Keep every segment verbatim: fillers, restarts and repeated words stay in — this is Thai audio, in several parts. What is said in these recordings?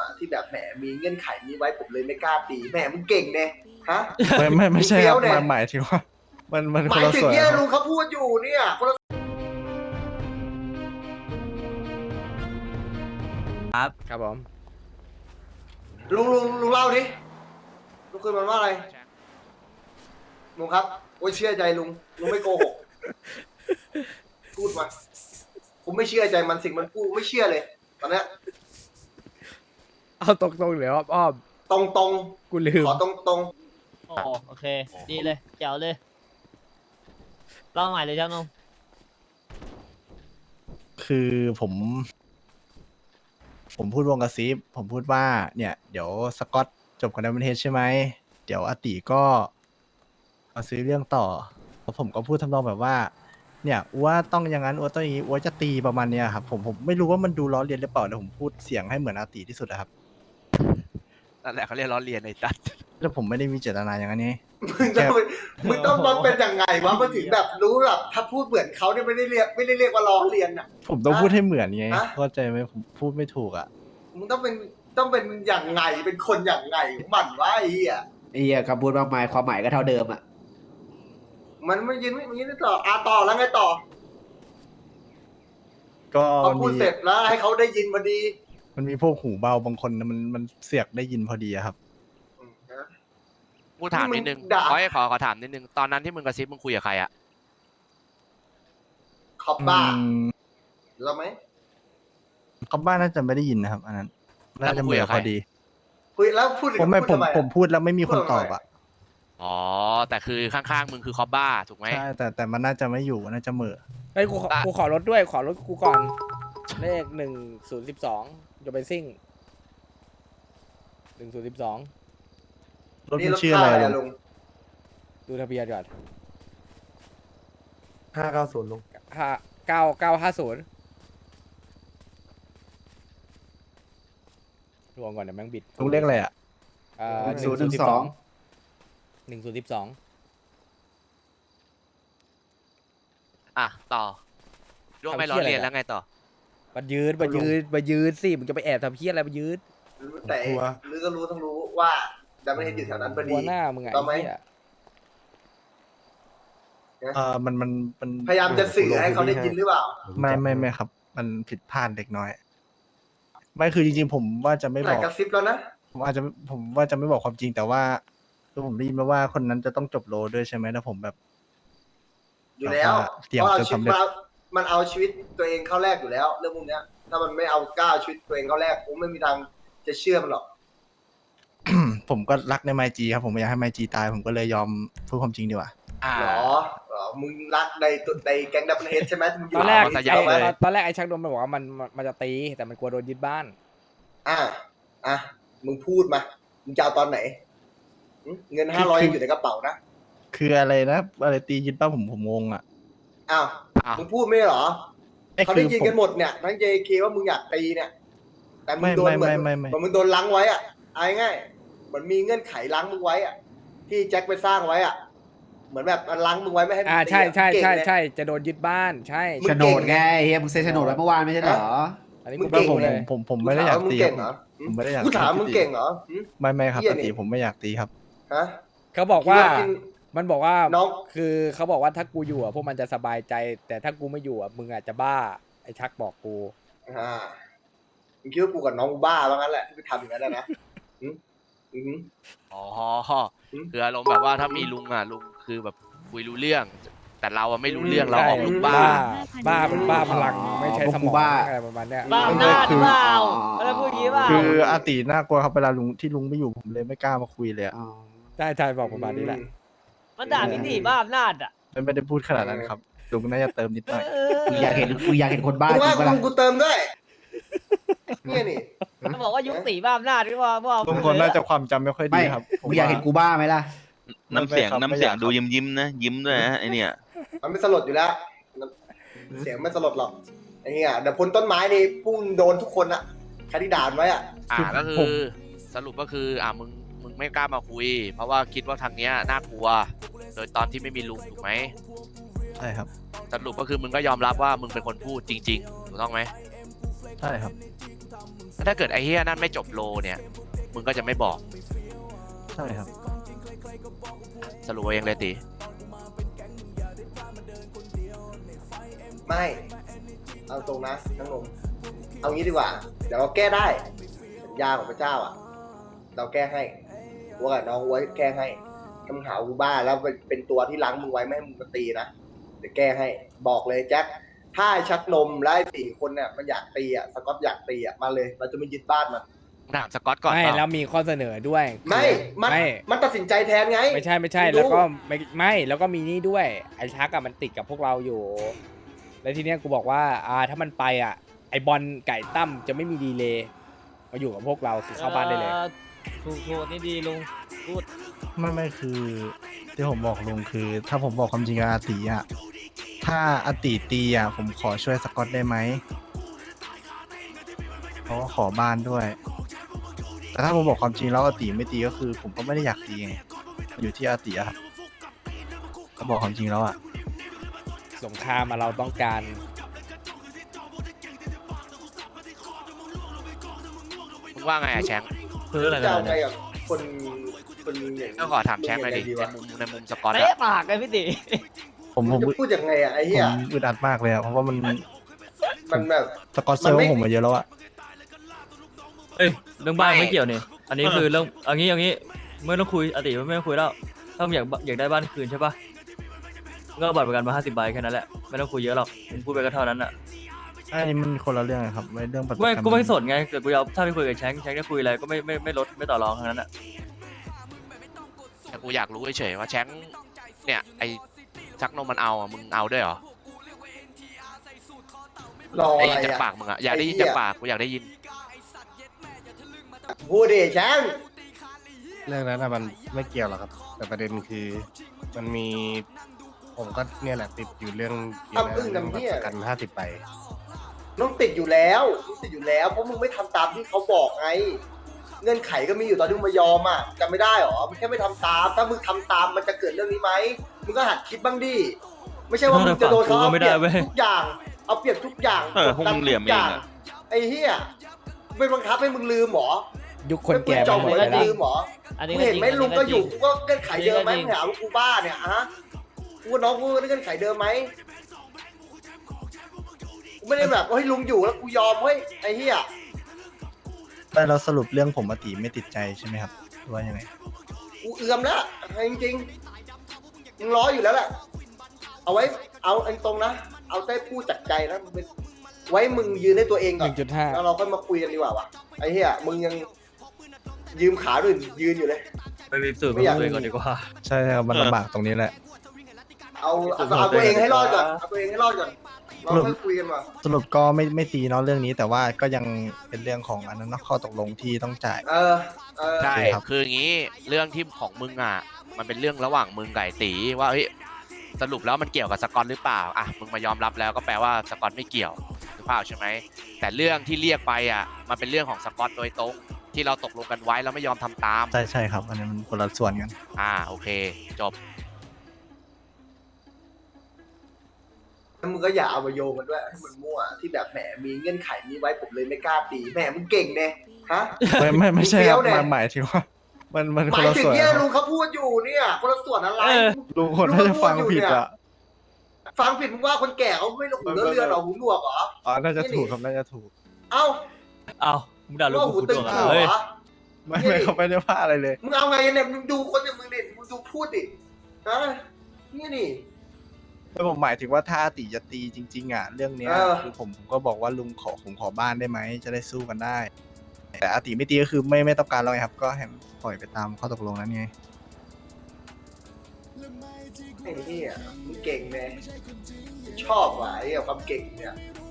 อ่ะที่แบบแหมมีเงื่อนไขนี้ไว้ผมเลยไม่กล้าตีแหมมึงเก่งเนี่ยฮะไม่ไม่ไม่ใช่เฟี้คยรัวบเนี่ยมันหมายถึงว่า มันมันหคนมายละถึงส่วนเนี่ยครับลุงเขาพูดอยู่เนี่ยคนละครับผมลุงลุงลุงเล่าดิลุงคุยมันว่าอะไรลุงครับโอ้ยเชื่อใจลุงลุงไม่โกหกพูดมาผมไม่เชื่อใจมันสิ่งมันพูดไม่เชื่อเลยตอนเนี้ยเอาตรงๆเลยอ้อมอ้อมตรงตรงกูลืมขอตรงตรงโอ้โอเค ดีเลยแจ๋วเลยลองใหม่เลยจ้านุ่มคือผม ผมพูดวงกระซิบผมพูดว่า เนี่ย เดี๋ยวสกอตจบกันในประเทศใช่ไหม เดี๋ยวอาติก็มาซื้อเรื่องต่อแล้วผมก็พูดทำนองแบบว่า เนี่ยอัวต้องอย่างนั้นอัวต้องอย่างนี้อัวจะตีประมาณเนี้ยครับผมผมไม่รู้ว่ามันดูล้อเลียนหรือเปล่าแต่ผมพูดเสียงให้เหมือนอาติที่สุดอะครับนั่นแหละเขาเรียกล้อเลียนไอ้ตัดแล้วผมไม่ได้มีเจตนาอย่างนั้นไงมึงต้องมึงต้องมันเป็นยังไงวะมันถึงแบบรู้แบบถ้าพูดเหมือนเขาเนี่ยไม่ได้เรียกไม่ได้เรียกว่าล้อเลียนอ่ะผมต้องพูดให้เหมือนไงฮะเข้าใจไหมผมพูดไม่ถูกอ่ะมึงต้องเป็นต้องเป็นอย่างไงเป็นคนอย่างไงของมันวะไอ้เหี้ยไอ้เหี้ยคำพูดมากมายความหมายก็เท่าเดิมอ่ะมันไม่ยินไม่ยินไม่ต่ออ่ะต่อแล้วไงต่อก็พอพูดมีเสร็จแล้วให้เขาได้ยินพอดีมันมีพวกหูเบาบางคนนะมันมันเสียกได้ยินพอดีอะครับอืมนะกูถามนิดนึงมึงด่าขอให้ขอขอถามนิดนึง ตอนนั้นที่มึงกระซิบมึงคุยกับใครอะขอบบ้าอืมแล้วไหมเขาบ้านน่าจะไม่ได้ยินนะครับ อันนั้นน่าจะเหมือพอดีคุยแล้วพูดถึงผมไม่พูดผมทำอะผมพูดแล้วไม่มีคนตอบอ่ะอ๋อ แต่คือข้างๆมึงคือคอบบ้าถูกไหมใช่แต่แต่มันน่าจะไม่อยู่น่าจะเหม่อเฮ้ยกูขออ่ะกูขอรถด้วยขอรถกูก่อน เลขหนึ่งศูนย์สิบสองจะไปซิ่งหนึ่งศูนย์สิบสองรถนี่มันรถชื่อค่าอะไรอะไรลุลุงงดูทะเบียนก่อนห้าเก้าศูนย์ลุงห้าเก้าเก้าห้าศูนย์รวมก่อนเดี๋ยวแม่งบิดลุงเรียกอะไรอ่ะเอ่อหนึ่งศูนย์หนึ่งสองหนึ่งศูนย์สิบสองอ่ะ ต่อร่วมไม่ล้อเลียนแล้วไงต่อมายืนมายืนมายืนสิมึงจะไปแอบทำเพี้ยอะไรมายืนแต่หรือก็รู้ทั้งรู้ว่าดัมเบิลเฮดอยู่แถวนั้นพอดีหัวหน้ามึงไงต่อไหมไอ้เหี้ยเออมันมันมันพยายามจะสื่อให้เขาได้ยินหรือเปล่าไม่ไม่ไม่ครับ มันผิดพลาดเล็กน้อย ไม่คือจริงๆผมว่าจะไม่หบลายอกกระซิบแล้วนะผมอาจจะผมว่าจะไม่บอกความจริงแต่ว่าคือผมได้ยินมาว่าคนนั้นจะต้องจบโลด้วยใช่ไหมแล้วผมแบบอยู่แล้วเตรียมเพราะเอาจนชีวิตสำเร็จมามันเอาชีวิตตัวเองเข้าแรกอยู่แล้ว เรื่องพวกเนี้ย ถ้ามันไม่เอาก้าวชีวิตตัวเองเข้าแรกผมไม่มีทางจะเชื่อมันหรอกผมก็รักในไมจีครับผมไม่อยากให้ไมจีตาย ผมก็เลยยอมพูดความจริงดีกว่าอ่าหรอหรอมึงรักในตัวในแก๊งดับเบิลเฮดใช่ไหมมึงอตยู่อนแรกเอามาไอ้ซะยับเลยตอนตอนแรกไอ้ชักโดนมันบอกว่ามันมันมันจะตีแต่มันกลัวโดนยึดบ้านอ่ะอ่ะมึงพูดมามึงจะเอาตอนไหนหึเงินห้าร้อยยังอยู่ในกระเป๋านะคืออะไรนะอะไรตียึดป้าผมผมงงอ่ะอ้าวอ้าวมึงพูดไม่เหรอไอ้เขาคืได้อยินผมกันหมดเนี่ยทั้ง เจ เค ว่ามึงอยากตีเนี่ย แต่มึงไม่โดนเหมือนไม่ไม่ไม่เหมือนมึงโดนล้างไว้อ่ะเอาง่ายๆเหมือนมีเงื่อนไขล้างมึงไว้อ่ะ ที่แจ็คไปสร้างไว้อ่ะ เหมือนแบบมันล้างมึงไว้ไม่ให้มึงอ่าตีใช่อะใช่เก่งใช่เนี่ยใช่จะโดนยึดบ้านใช่มึงโฉนดไงเฮียมึงเซ็นโฉนดไว้เมื่อวานไม่ใช่เหรออันนี้มึกูงไม่เก่งรู้ผมเลยผมผมไม่ได้อยากถมึงตีเก่งคเหรรัอบ หึผมไม่ได้อยากกูถามตีมึงเก่งเหรอหึไม่ไม่ครับเหี้ยปกตินี่ผมไม่อยากตีครับฮะเขาบอกว่าคิดว่ากินมันบอกว่าน้องคือเขาบอกว่าถ้ากูอยู่อ่ะพวกมันจะสบายใจ แต่ถ้ากูไม่อยู่อ่ะมึงอาจจะบ้าไอ้ชักบอกกูอ่ามึงคิดว่ากูกับน้องกูบ้าแล้วงั้นแหละที่ไปทำอย่างนั้นนะนะหึหึอ๋ออืมคืออารมณ์แบบว่าถ้ามีลุงอ่ะลุงคือแบบคุยรู้เรื่อง แต่เราอะไม่รู้เรื่องเราใช่ออกลุงบ้าบ้าเป็นบ้าพลังไม่ใช่พวกสกูมองบ้าอะไรประมาณเนี้ยบ้าอำนาจหรือเปล่าอะไรพูดอย่างนี้เปล่าคืออาติน่ากลัวครับเวลาลุงที่ลุงไม่อยู่ผมเลยไม่กล้ามาคุยเลยอะอ๋อใช่ใช่บอกประมาณนี้แหละมันด่าพี่ตีบ้าอำนาจอ่ะไม่ได้พูดขนาดนั้นครับลุงน่าจะเติมนิดหน่อยกูอยากเห็นกูอยากเห็นคนบ้ากูจริว่างปะล่ะกูกูเติมด้วยเนี่ยนี่มันบอกว่ายุคตีบ้าอำนาจหรือเปล่าพวกลุงคนน่าจะความจำไม่ค่อยดีไม่ครับผมึงอยากเห็นกูบ้าไหมล่ะไม่น้ำเสียงครับน้ำเสียงไม่อยากดูครับยิ้มยิ้มๆนะยิ้มด้วยนะไอเนี่ยมันไม่สลดอยู่แล้ว เสียงไม่สลดหรอกไอ้เงี้ยเดี๋ยวพ้นต้นไม้นี่พุ่งโดนทุกคนอะใครที่ด่านไว้อะอ่าก็คืผอมสรุปก็คืออ่ามึงมึงไม่กล้ามาคุย เพราะว่าคิดว่าทางเนี้ยน่ากลัว โดยตอนที่ไม่มีลุงถูกไหมใช่ครับสรุปก็คือมึงก็ยอมรับว่ามึงเป็นคนพูดจริงๆถูกต้องไหมใช่ครับถ้าเกิดไอ้เฮียนั่นไม่จบโลเนี่ยมึงก็จะไม่บอกใช่ครับสรุปเอาเองเลยตีไม่ เอาตรงนะทั้งลงเอางี้ดีกว่า เดี๋ยวเราแก้ได้สัญญาของพระเจ้าอ่ะ เราแก้ให้ว่ากับน้องไว้แก้ให้คำหากูบ้าแล้วเป็นตัวที่ล้างมึงไว้ไม่ให้มึงมาตีนะเดี๋ยวแก้ให้บอกเลยแจ็คถ้าชักนมและไอ้สี่คนเนี่ยมันอยากตีอ่ะสกอตอยากตีอ่ะมาเลยเราจะไม่ยึดบ้านมันถามสกอตก่อนไม่เปล่าแล้วมีข้อเสนอด้วยไม่มันไม่มันตัดสินใจแทนไงไม่ใช่ไม่ใช่ไม่รู้แล้วก็ไม่ไม่แล้วก็มีนี่ด้วยไอ้ชักอะมันติดกับพวกเราอยู่ แล้วทีเนี้ยกูบอกว่าอ่าถ้ามันไปอ่ะไอบอลไก่ตั้มจะไม่มีดีเลย์มาอยู่กับพวกเราคือเข้าบ้านได้เลยออถูกถูกนี่ดีลุงพูดไม่ไม่คือที่ผมบอกลุงคือ ถ้าผมบอกความจริงกับอาติอ่ะถ้าอาติตีอ่ะผมขอช่วยสกอตได้ไหมเพราะว่าขอบ้านด้วย แต่ถ้าผมบอกความจริงแล้วอาติไม่ตีก็คือ ผมก็ไม่ได้อยากตีไงอยู่ที่อาติอะครับก็บอกความจริงแล้วอ่ะสงครามมาเราต้องการมึงว่าไงอะแชงค์คืออะไรจะนะเอาไงกับคนคนอย่างก็ขอถามแชงค์หน่อยดิดีในวะมุมในมุมสกอตเตะอะปากเลยพี่ติผมผมจะพูดยังไงอ่ะไอ้ผเหี้ยมอึดอัดมากเลยอะเพราะว่ามันมันแบบสกอตเซอร์มันไม่ผมมาเยอะแล้วอะเอ้ยเรื่องบ้านไม่เกี่ยวนี่ อันนี้คือเรื่องเอันนี้อย่างนี้ไม่ต้องคุยอติไม่ต้องคุยแล้ว ถ้ามึงอยากอยากได้บ้านคืนใช่ปะมึงก็เอาบัตรประกันมาห้าสิบใบแค่นั้นแหละ ไม่ต้องคุยเยอะหรอกมึงพูดไปก็เท่านั้นอ่ะอันนี้มันคนละเรื่องอะครับไม่เรื่องปัจจุไม่บันกูไม่สนไงเกิดกูเอาถ้าไปคุยกับแชงแชงจะคุยอะไรก็ไม่ไม่ไม่ลดไม่ต่อรองทั้งนั้นอ่ะแต่กูอยากรู้เฉยๆว่าแชงค์เนี่ยไอ้ชักนมมันเอาอะมึงเอาด้วยเหรอรอไอ้อะไรจากอ่ะปากมึงอะอยากได้ยินไอ้เหี้จาย กปากกูอยากได้ยินพูดดิแชงค์เรื่องนั้นอะมันไม่เกี่ยวหรอกครับ แต่ประเด็นคือมันมี ผมก็เนี่ยแหละติดอยู่เรื่องเกี่ยวกับเรื่องบัตรประกันห้าสิบใบต้องติดอยู่แล้วต้องติดอยู่แล้วเพราะมึงไม่ทำตามที่เขาบอกไง เงื่อนไขก็มีอยู่ตอนที่มึงมายอมอ่ะจำไม่ได้หรอมึงแค่ไม่ทำตาม ถ้ามึงทำตามมันจะเกิดเรื่องนี้ไหมมึงก็หัดคิดบ้างดิไม่ใช่ว่ามึงจะโดนเขาเอาเปรียบทุกอย่าง เอาเปรียบทุกอย่างเออพวกมึงเหลี่ยมเองอะไอ้เหี้ยเป็นบังคับให้มึงลืมหรอยุคคนแก่จไปอมหมดหัวแล้วแล้วนะลืมหรออันนี้มึงก็เห็นจริงไหมอันลุนี้งก็อยู่จริงกูก็เงื่อนไขเดิมไหมจริงมึงหาว่ากูบ้าเนี่ยฮะกูว่าน้องกูเงื่อนไขเดิมไหมกูไม่ได้แบบว่าให้ลุงอยู่แล้วกูยอมเฮ้ยไอ้เหี้ยแต่เราสรุปเรื่องผมอาติไม่ติดใจใช่ไหมครับหรือว่ายังไงกูเอือมแล้วจริงๆมึงร้ออยู่แล้วแหละเอาไว้เอาไอ้ตรงนะเอาได้พูดจากใจนะมึงเป็นไว้มึงยืนให้ตัวเองหก่อนนึ่งจุดห้าแล้วเราค่อยมาคุยกันดีกว่าวะไอ้เหี้ยมึงยังยืมขาด้วยยืนอยู่เลยไปมีสูตรไม่มาอยากคุยก่อนดีกว่าใช่ครับมันลำบากตรงนี้แหละเอาเอาเอาตัวเองให้รอดก่อนเอาตัวเองให้รอดก่อนเราค่อยคุยกันว่าสรุปก็ไม่ไม่ตีเนาะเรื่องนี้ แต่ว่าก็ยังเป็นเรื่องของอันนั้นเนาะข้อตกลงที่ต้องจ่ายเออเออใช่โอเคครับคืออย่างนี้เรื่องที่ของมึงอ่ะ มันเป็นเรื่องระหว่างมึงกับไอ้ตีว่าเฮ้ยสรุปแล้วมันเกี่ยวกับสกอตหรือเปล่าอ่ะมึงมายอมรับแล้วก็แปลว่าสกอตไม่เกี่ยวหรือเปล่าใช่ไหมแต่เรื่องที่เรียกไปอ่ะมันเป็นเรื่องของสกอตโดยตรงที่เราตกลงกันไว้แล้วไม่ยอมทำตามใช่ใช่ครับ อันนี้มันคนละส่วนกันอ่าโอเคจบแล้วมึงก็อย่าเอามาโยงกันด้วยให้มันมั่วที่แบบแหมมีเงื่อนไขนี้ไว้ผมเลยไม่กล้าตีแหมมึงเก่งเนี่ยฮะไม่ไม่ไม่ใช่ครับเฟี้ยวเนี่ยมันหมายถึงว่า มันมันหคมาน ยละถึงส่วนเนี่ยคลุรับงเขาพูดอยู่เนี่ยคนละส่วนอะไรเออลุงคนน่าจะฟังผิดอ่ะฟังผิดมึงว่าคนแก่เขาไม่หูเรือเรือนหรอหูหนวกเหรออ๋อน่าจะถูกครับน่าจะถูกเอ้าเอามึงด่าลูกว่ากูหูกูตึตังวกันหัวเฮ้ยเหรอไม่ไม่เขาไม่ได้ว่าอะไรเลยมึงเอาไงเนี่ยมึงดูคนอย่างมึงดิมึงดูพูดดิฮะนี่นี่แล้วผมหมายถึงว่าถ้าอาติจะตีจริง ๆ อ่ะ เรื่องเนี้ยเออคือผมผมก็บอกว่าลุงขอผมขอบ้านได้ไหมจะได้สู้กันได้ แต่อาติไม่ตีก็คือไม่ไม่ต้องการแล้วไงครับ ก็ให้ปล่อยไปตามข้อตกลงนั้นไงไอ้เหี้ยมึงเก่งเนี่ยชอบว่ะไอ้เหี้ยความเก่งเนี่ย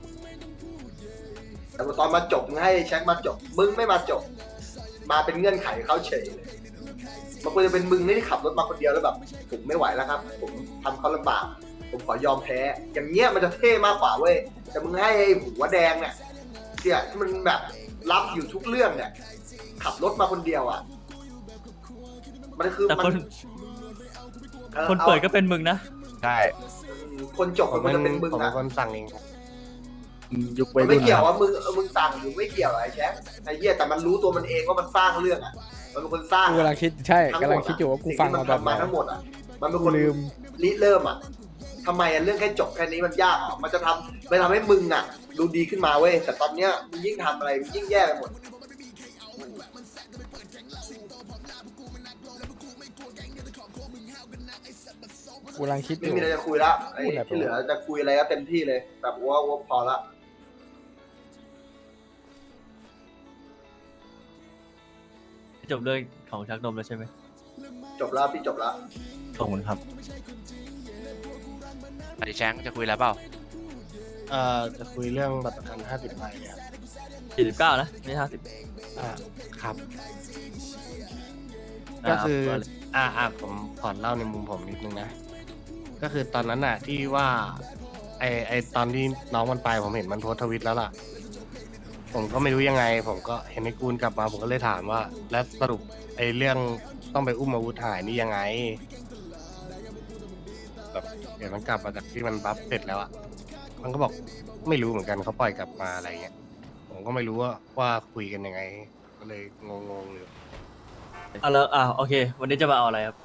แต่ว่าตอนมาจบมึงให้แช็คมาจบ มึงไม่มาจบ มาเป็นเงื่อนไขเขาเฉยเลยมันควรจะเป็นมึงที่ขับรถมาคนเดียวแล้วแบบผมไม่ไหวแล้วครับ ผมทำเขาลำบาก ผมขอยอมแพ้ อย่างเงี้ยมันจะเท่มากกว่าเว้ย แต่มึงให้ไอ้หัวแดงเนี่ยเนี่ยที่มันแบบรับอยู่ทุกเรื่องเนี่ย ขับรถมาคนเดียวอ่ะ มันคือแต่มัคนออคนเปิดก็เป็นมึงนะใช่คนจบผมมันเป็นจะเป็นมึงผมเป็อ่ะนคนสั่งเองครับยุควัมัยนไม่รุ่นเกี่ยวนะว่ามึงเออมึงสั่งหรือไม่เกี่ยวไอ้แชมป์ไอ้เหี้ยแต่มันรู้ตัวมันเองว่ามันสร้างเรื่องอ่ะมันเป็นคนสร้างกูกำลังคิดใช่ทั้กำลังคิดอยู่ว่ากูฟังสิ่มาที่แบบมันไหนทำมาทั้งหมดอ่ะมันเป็นกูคนลืมริเริ่มอ่ะทำไมอ่ะเรื่องแค่จบแค่นี้มันยากอ่ะมันจะทำไปทำให้มึงอ่ะดูดีขึ้นมาเว้ยแต่ตอนเนี้ยมึงยิ่งทำอะไรมึงยิ่งแย่ไปหมดกูกำลังคิดอไม่ยู่มีอะไรจะคุยละไอ้พูดอะไรที่เหลือจะคุยอะไรก็เต็มที่เลยแบบว่าว่าพอละจบเรื่องของชักนมแล้วใช่ไหมจบแล้วพี่จบแล้วขอบคุณครับอดิแชงจะคุยแล้วเปล่าเอ่อจะคุยเรื่องบัตรประกันห้าสิบใบครับสี่สิบเก้านะไม่ห้าสิบอ่าครับ ก็คืออ่าอ่าผมขอเล่าในมุมผมนิดนึงนะ ก็คือตอนนั้นน่ะที่ว่า ไอไอตอนที่น้องมันไปผมเห็นมันโพสต์ทวิตแล้วล่ะ ผมก็ไม่รู้ยังไง ผมก็เห็นไอ้กูลกลับมาผมก็เลยถามว่า แล้วสรุปไอเรื่องต้องไปอุ้มอาวุธหายนี่ยังไงแบบเดี๋ยวมันกลับมาจากที่มันบัฟเสร็จแล้วอ่ะมันก็บอกไม่รู้เหมือนกันเขาปล่อยกลับมาอะไรเงี้ยผมก็ไม่รู้ว่าว่าคุยกันยังไง ก็เลยงงๆอยู่อ่ะแล้วอ่ะโอเค วันนี้จะมาเอาอะไรครับ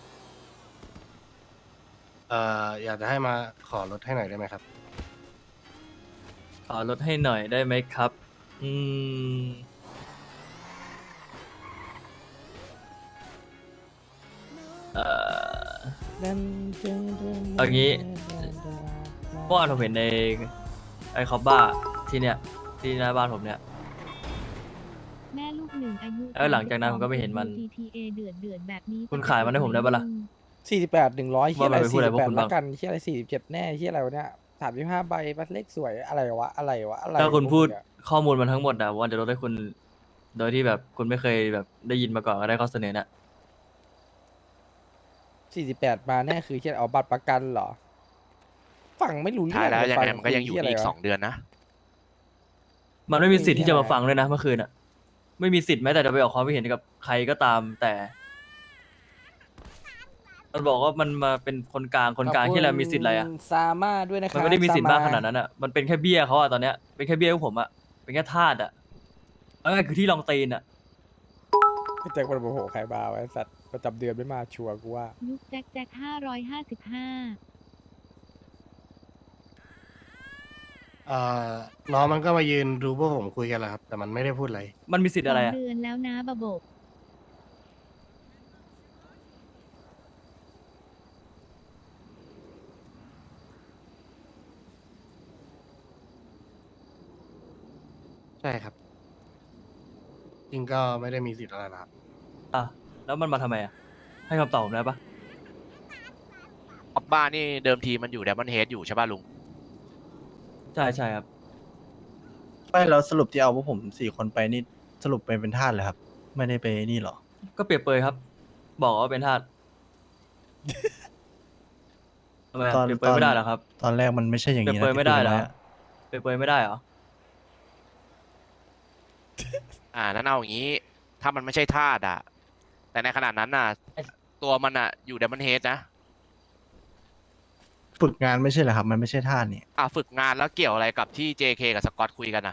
เอ่ออยากจะให้มาขอลดให้หน่อยได้ไหมครับขอลดให้หน่อยได้ไหมครับ อืมเอ่อเอางี้เมื่อวานผมเห็นในไอคอบบ้าที่เนี่ยที่หน้าบ้านผมเนี่ยแม่ลูกหนึ่งอายุแล้วหลังจากนั้นผมก็ไม่เห็นมันจี ที เอ เดือดเดือดแบบนี้คุณขายมันให้ผมได้ปะล่ะสี่สิบแปดหนึ่งร้อยเฮียอะไรว่ามันไปพูดสี่อะไรสิบแปดพวกคุณละบ้างกันเฮียอะไรสี่สิบเจ็ดแน่เฮียอะไรวะเนี่ยสามสิบห้าใบบัตรเลขสวยอะไรวะอะไรวะอะไรถ้าคุณของพูดมึงอะข้อมูลมันทั้งหมดอะว่าจะลดให้คุณ โดยที่แบบคุณไม่เคยแบบได้ยินมาก่อนก็ได้ข้อเสนอน่ะสี่สิบแปดมาแน่คือเฮียเอาบัตรประกันเหรอฟังไม่รู้เรื่ท้าอยแล้วยังไงฟัมันก็ยังอยู่คุนี่อีกเหี้ะสองเดือนนะมันไม่มีสิทธิ์ที่จะมาฟังเลยนะเมื่อคืนอะไม่มีสิทธิ์แม้แต่จะไปออกความคิดเห็นกับใครก็ตาม แต่ มันบอกว่ามันมาเป็นคนกลางคนกลางที่อะไรมีสิทธิ์อะไรอะขบคุณซาม่าด้วยนะคมัรับนไม่ได้มีสิทธิ์มากขนาดซนั้นอะมันเป็นแค่เบี้ยเขาอะตอนเนี้ยเป็นแค่เบี้ยของผมอะเป็นแค่ทาสอะเอาง่ายๆคือที่รองตีนอะมาแจ็คมันโมโหใครบ้าไว้สัตว์ประจำเดือนไม่มาชัวร์กูว่ายุคแจ็คแจ็คห้าร้อยห้าสิบห้าเอ่อน้องมันก็มายืนดูพวกผมคุยกันแหละครับ แต่มันไม่ได้พูดอะไรมันมีสิทธิ์อะไรสอะงเดือนแล้วนะบะบบใช่ครับ จริงก็ไม่ได้มีสิทธิ์อะไรนะครับอ่ะแล้วมันมาทำไมอะให้คำตอบผมได้ปะออบบ้านี่เดิมทีมันอยู่แดมอนเฮดอยู่ใช่ป่ะลุงใช่ใช่ครับไม่แล้วสรุปที่เอาพวกผมสี่คนไปนี่สรุปไปเป็นทาสเลยครับ ไม่ได้ไปนี่หรอก็เปรียบเปรยครับ บอกว่าเป็นทาสทำไมอะตอนเปรียบเปรยไม่ได้เหรอครับตอนแรกมันไม่ใช่อย่างเปรียนี้บเปรยไม่ได้เหรอที่คุยกันว้อะเปรียบเปรยไม่ได้เหรออ่านั่นเอาอย่างนี้ ถ้ามันไม่ใช่ทาสอ่ะ แต่ในขณะนั้นน่ะ ตัวมันอ่ะอยู่แดมอนเฮดนะฝึกงานไม่ใช่เหรอครับ มันไม่ใช่ทาสนี่อ่ะฝึกงานแล้วเกี่ยวอะไรกับที่ เจ เค กับสกอตคุยกันนะ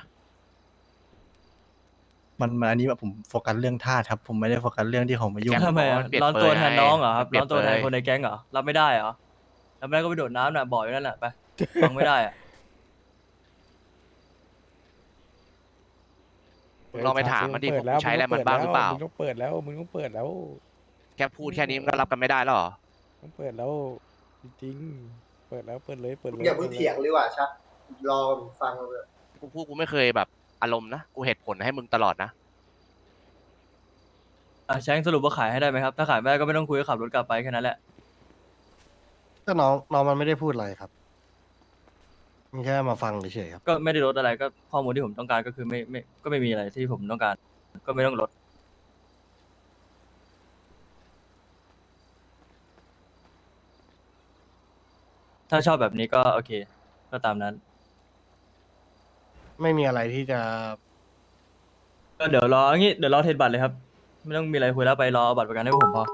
มันมันอันนี้แบบผมโฟกัสเรื่องทาสครับ ผมไม่ได้โฟกัสเรื่องที่เขามายุ่งแกทำไมอะเปลี่ยนร้อนตัวเปรยแทนน้องเหรอครับเปลี่ร้ยอน นตัวแทนเปรยคนในแก๊งเหรอ รับไม่ได้เหรอรับไม่ได้ก็ไปโดดน้ำน่ะบ่อยนั่นแหละไป ฟังไม่ได้อะมึงลองไปถามมันดิเปิผมแล้วใช้อะไรมันบ้างหรือเปล่ามึงต้องเปิดแล้วมึงต้องเปิดแล้วแค่พูดแค่นี้มันก็รับกันไม่ได้แล้วเหรอต้องเปิดแล้วจริงๆเปิดแล้วเปิดเลยเปิดเลยอย่าเพิ่งเถียงเลยว่ะชักรอฟังเลยกูพูดกูไม่เคยแบบอารมณ์นะ กูเหตุผลให้มึงตลอดนะอ่ะแชงสรุปว่าขายให้ได้ไหมครับ ถ้าขายไม่ได้ก็ไม่ต้องคุยก็ขับรถกลับไปแค่นั้นแหละก็น้องน้องมันไม่ได้พูดอะไรครับมันแค่มาฟังเฉยๆครับก็ไม่ได้ลดอะไรก็ข้อมูลที่ผมต้องการก็คือไม่ไม่ก็ไม่มีอะไรที่ผมต้องการ ก็ไม่ต้องลด ถ้าชอบแบบนี้ก็โอเค ก็ตามนั้นไม่มีอะไรที่จะก็เดี๋ยวรออย่างงี้เดี๋ยวรอเทรดบัตรเลยครับ ไม่ต้องมีอะไรคุยแล้วไปรอเอาบัตรประกันให้ผมพอ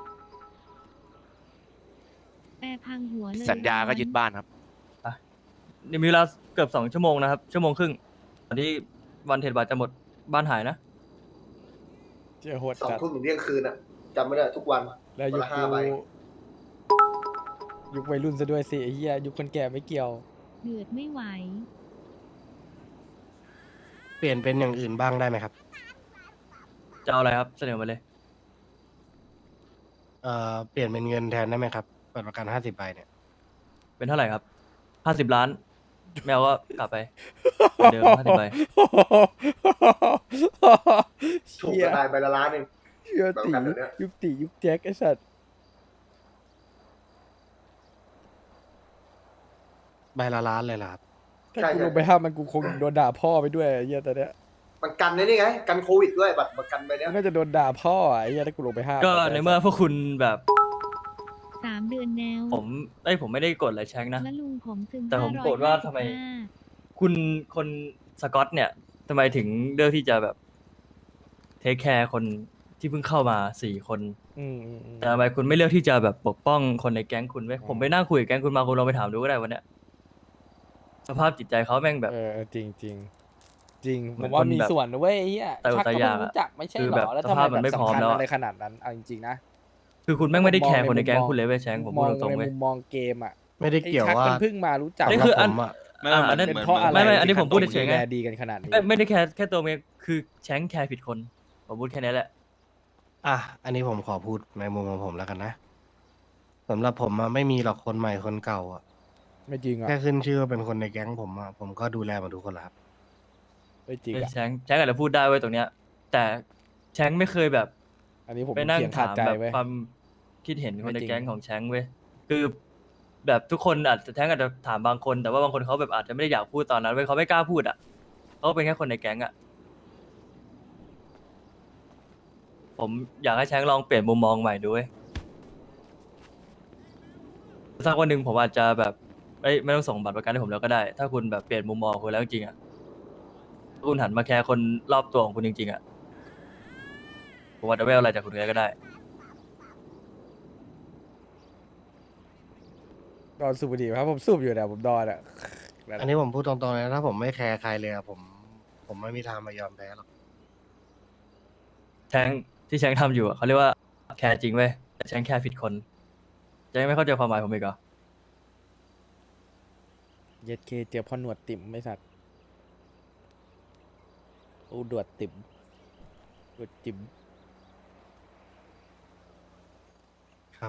แปรพังหัวเลยสัญญาก็ยึดบ้านครับมีเวลาเกือบสองชั่วโมงนะครับชั่วโมงครึ่งก่อนที่วันเทรดบัตรจะหมดบ้านหายนะเจ้าโหดสองจัดทุ่มถึงเที่ยงคืนอ่ะจำไม่ได้ทุกวันแล้วยุวันคละห้าใบยุควัยรุ่นซะด้วยสิไอ้เหี้ยยุคคนแก่ไม่เกี่ยวเดือดไม่ไหวเปลี่ยนเป็นอย่างอื่นบ้างได้ไหมครับจะเอาอะไรครับเสนอมาเลยเอ่อเปลี่ยนเป็นเงินแทนได้ไหมครับบัตรประกันห้าสิบใบเนี่ยเป็นเท่าไหร่ครับห้าสิบล้านแมวก็กลับไปเหมือนเดิมห้าสิบใบถูกเหี้กยระไดใบละล้านหนึ่งเหี้ยแบบตีกันเดี๋ยวนี้ยุคตียุคแจ็คไอ้สัตว์ใบละล้านเลยเหรอครับถ้ากูลงไปห้ามมันกูคงโดนด่าพ่อไปด้วยไอ้เหี้ยตอนเนี้ยมันกันได้นี่ไง กันโควิดด้วยบัตรประกันใบเนี้ยน่าจะโดนด่าพ่ออะไอ้เหี้ยถ้ากูลงไปห้ามก็ในเมื่อพวกคุณแบบสามเดือนแนวผมไอ้ยผมไม่ได้กดอะไรแชงนะและลุงผมซึมแต่ผมโกรธว่าทำไม คุณคนสกอตเนี่ยทำไมถึงเลือกที่จะแบบเทคแคร์คนที่เพิ่งเข้ามาสี่คนอืมอืมอืมแต่ทำไมคุณไม่เลือกที่จะแบบปกป้องคนในแก๊งคุณไว้ยผมไปนั่งคุยกับแก๊งคุณมาคุณลองไปถามดูก็ได้วันเนี้ยสภาพจิตใจเขาแม่งแบบเออจริงจริงจริงเหผมือนมว่าคนมีแบบส่วนนะเว้ยไอ้เหี้ยแต่ชักแต่ก็อย่าไม่งรู้จักไม่ใช่คือหรแบบอแล้วสทำไมภาพแบมันบไม่พร้อมสำคัญแล้วอะอะไรขนาดนั้นเอาจริงๆนะคือคุณแม่งไม่ได้แคร์มองในคนในแก๊งมุมมองคุณเลยเว้ยแชงผมมพูอดงตรงในๆเว้ยมุมมองเกมอ่ะไม่ได้ไอ้เกี่ยวชักว่ามันเพิ่งมารู้จักนี่คืออันสำหรับผมอะไม่อ่าเหมือัอนนนั้นเป็นเหมือนเพราะอะไรไม่ไม่อันนี้ผมพูดที่เฉยๆไงดูแลดีกันขนาดนี้ไม่ไม่ได้แค่แค่ตัวเองคือแชงแคร์ผิดคนผมพูดแค่นี้แหละอ่ะอันนี้ผมขอพูดในมุมของผมแล้วกันนะสำหรับผมอะไม่มีหรอกคนใหม่คนเก่าอะไม่จริงอ่ะแค่ขึ้นชื่อว่าเป็นคนในแก๊งผมอะผมก็ดูแลหมาทุกคนแล้วครับไม่จริงเอ้ยอ่ะแชงแชงอาจจะพูดได้ไว้ยตรงเนี้ย แต่แชงไม่เคยแบบอันนี้ผมไปนั่งเขียนขาดถามใจแบบไว้ยความคิดเห็นคนในไม่จริงแก๊งของแชงเว้ยคือแบบทุกคนอาจจะแชงอาจจะถามบางคน แต่ว่าบางคนเขาแบบอาจจะไม่ได้อยากพูดตอนนั้นเว้ยเขาไม่กล้าพูดอ่ะเขาเป็นแค่คนในแก๊งอ่ะผมอยากให้แชงลองเปลี่ยนมุมมองใหม่ดูเว้ยสักวันหนึ่งผมอาจจะแบบเอ้ยไม่ต้องส่งบัตรประกันให้ผมแล้วก็ได้ ถ้าคุณแบบเปลี่ยนมุมมองคุณแล้วจริงๆอ่ะถ้าคุณหันมาแคร์คนรอบตัวของคุณจริงๆอ่ะผมอาจจะไม่เอาอะไรจากคุณเลยก็ได้ดอนสูบบุหรี่ครับผมสูบอยู่เนี่ยผมดอนอ่ะอันนี้ผมพูดตรงๆเลยนะถ้าผมไม่แคร์ใครเลยอะผม ผมไม่มีทางมายอมแพ้หรอกแชงที่แชงทำอยู่อะเขาเรียกว่าแคร์จริงเว้ยแต่แชงแคร์ผิดคนแชงไม่เข้าใจความหมายผมอีกเหรอเย็ดเคเจอพ่อหนวดติ่มไม่สัตว์อูดวดติ่มดวดจิ๋มครับ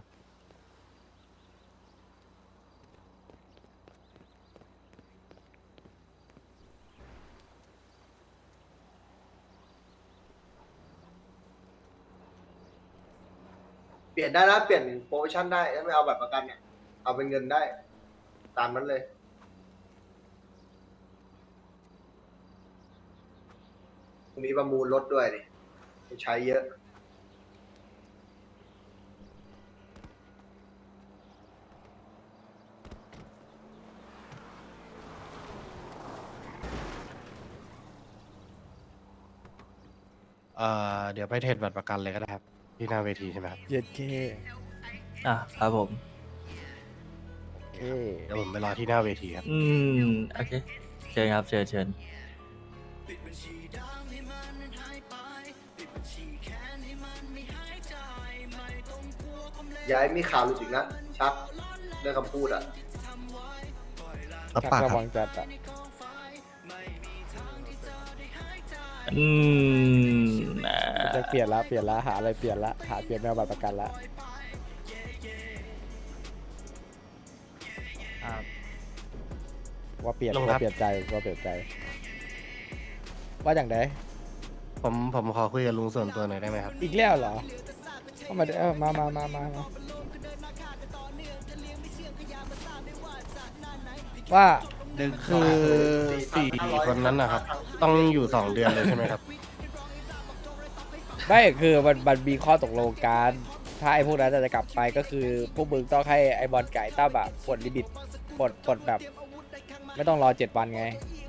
เปลี่ยนได้นะเปลี่ยนโปรโมชั่นได้ถ้าไม่เอาแบบประกันเนี่ยเอาเป็นเงินได้ ตามนั้นเลย มีประมูลรถด้วยดิใช้เยอะเอ่อเดี๋ยวไปเทรดบัตรประกันเลยก็ได้ครับ ที่หน้าเวทีใช่ไหมครับเย็ดเคอ่ะครับผมเคเดี๋ยวผมไปรอที่หน้าเวทีครับอืมโอเคเชิญครับเชิญเชิญอย่าให้มีข่าวหลุดอีกนะชักเรื่องคำพูดอ่ะรับชักปากระครับวังจัดอ่ะอืมอ่าจะเปลี่ยนละเปลี่ยนละหาอะไรเปลี่ยนละหาเปลี่ยนแมวบัตรประกันละอ่าว่าเปลี่ยนลงครับว่าเปลี่ยนใจว่าเปลี่ยนใจ ว่าอย่างไรผมผมขอคุยกับลุงส่วนตัวหน่อยได้ไหมครับอีกแล้วเหรอเข้ามาเออมามามามามาว่าคือสี่คนนั้นนะครับ ต้องอยู่สองเดือนเลยใช่ไหมครับไม่คือมันมันมีข้อตกลงกันถ้าไอ้พวกนั้นจะกลับไปก็คือพวกมึงต้องให้ไอ้บอลไก่ตั้มอะปลดลิมิตปลดปลดแบบ ไม่ต้องรอเจ็ดวันไง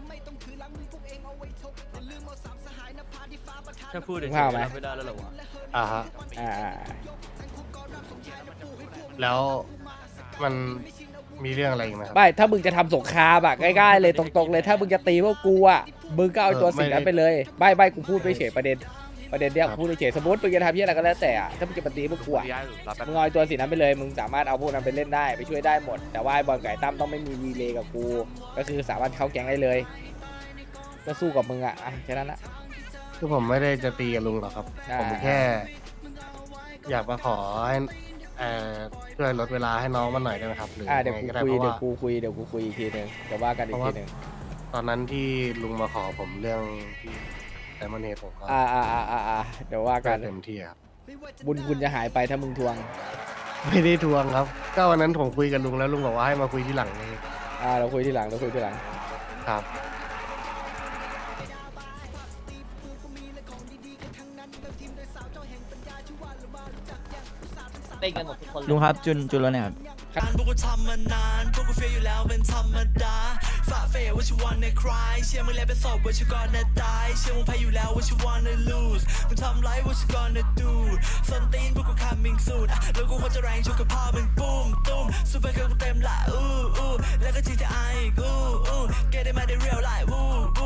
ถ้าพูดเฉยมึงว่าไหมๆรับไม่ได้แล้วเหรอวะอ่าฮะอ่าแล้วมันมีเรื่องอะไรอีกไหมครับไม่ถ้ามึงจะทำสงครามอะง่ายๆเลยตรงๆเลย ถ้ามึงจะตีพวกกูอะมึงก็เอาตัวสิ่งนั้นไปเลยไม่ไม่กูพูดไม่เฉยประเด็นประเด็นเนี้ยกูพูดไม่เฉยสมมติมึงจะทำที่อะไรก็แล้วแต่อะถ้ามึงจะมาตีพวกกูอะย้ายหรือรับแป๊บมึงเอาไอ้ตัวสิ่งนั้นไปเลยมึงสามารถเอาพวกนั้นไปเล่นได้ไปช่วยได้หมด แต่ว่าไอ้บอลไก่ตั้มต้องไม่มีรีเลย์กับกูก็คือสามารถเข้าแก๊งได้เลยก็สู้กับมึงอะอ่ะแค่นั้นละคือผมไม่ได้จะตีกับลุงหรอกครับอ่าผมแค่ อยากมาขอให้เอ่อช่วยลดเวลาให้น้องมันหน่อยได้ไหมครับหรืออ่ะยัเดี๋ยวงไงกูก็ได้คุยเพราะเดี๋ยว่าวกูคุยเดี๋ยวกูคุยอีกทีหนึ่งเดี๋ยวว่ากันอีกทีหนึ่งตอนนั้นที่ลุงมาขอผมเรื่องที่ไดมอนเฮดผมก็อ่าอ่าอ่าอ่าอ่าเดี๋ยวว่ากันเต็มที่ครับบุญคุณจะหายไปถ้ามึงทวงไม่ได้ทวงครับ ก็วันนั้นผมคุยกับลุงแล้วลุงบอกว่าให้มาคุยที่หลังนี่อ่าเราคุยที่หลังเราคุยที่หลังครับเล่นกันหมดทุกคนลุงครับจุนจุนแล้วเนี่ยครับพวกกูทำมานานพวกกูเฟียอยู่แล้วเป็นธรรมดาฝ่าเฟยว่าชิวันในคลายเชื่อมึงแล้วเป็นศพว่าชิวก่อนนะตายเชื่อมึงแพ้อยู่แล้วว่าชิวันใน lose มึงทำไรว่าชิก่อนนะ do ส้นตีนพวกกู coming soon อ่ะแล้วกูควรจะแรงชุกกับพ่อมึงปุ้มตุ้มซูเปอร์เกิร์ลกูเต็มละอู้อู้แล้วก็ จี ที ไอ อีกอู้อู้ get it มาได้ real life อู้อู้